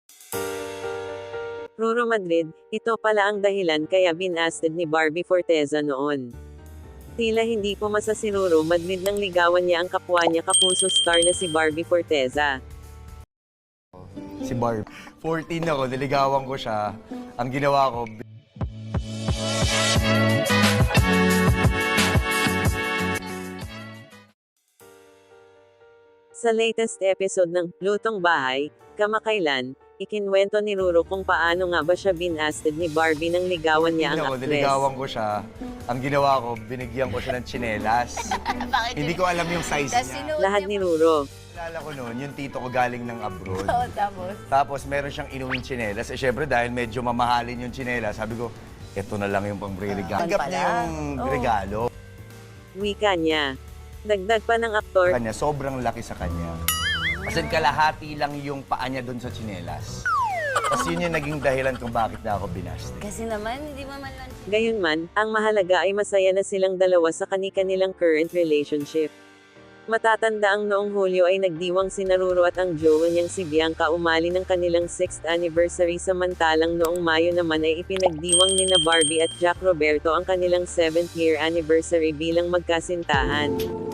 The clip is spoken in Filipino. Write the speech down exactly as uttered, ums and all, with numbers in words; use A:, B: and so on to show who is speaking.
A: Ruro Madrid, ito pala ang dahilan kaya binasted ni Barbie Forteza noon. Tila hindi pumasa si Ruro Madrid nang ligawan niya ang kapwa niya kapuso star na si Barbie Forteza.
B: Si Barb. fourteen ako, niligawan ko siya. Ang ginawa ko,
A: Sa latest episode ng Lutong Bahay, kamakailan, ikinwento ni Ruro kung paano nga ba siya binasted ni Barbie nang ligawan niya ang
B: ako,
A: actress.
B: niligawan ko siya. Ang ginawa ko, binigyan ko siya ng tsinelas. Hindi ko alam yung size
C: Tas
B: niya.
C: sinuot
A: Lahat
C: niya
A: ni
C: pa-
A: Ruro.
B: Alala ko noon, yung tito ko galing ng abroad.
C: Oo, tapos.
B: Tapos meron siyang inuwing tsinelas. Eh syempre dahil medyo mamahalin yung tsinelas, sabi ko, eto na lang yung pang-regalo.
C: Ah,
B: Tanggap
C: pala.
B: niya yung
C: Oo.
B: regalo.
A: Wika niya. Dagdag pa ng aktor,
B: Kanya, sobrang laki sa kanya. Kasi kalahati lang yung paa niya doon sa tsinelas. Tapos yun yung naging dahilan kung bakit na ako binasti.
C: Kasi naman, hindi mo man lang...
A: gayunman, ang mahalaga ay masaya na silang dalawa sa kani-kanilang current relationship. Matatanda ang noong Hulyo ay nagdiwang si Ruro at ang jowa niyang si Bianca umali ng kanilang sixth anniversary, samantalang noong Mayo naman ay ipinagdiwang ni na Barbie at Jack Roberto ang kanilang seventh year anniversary bilang magkasintahan.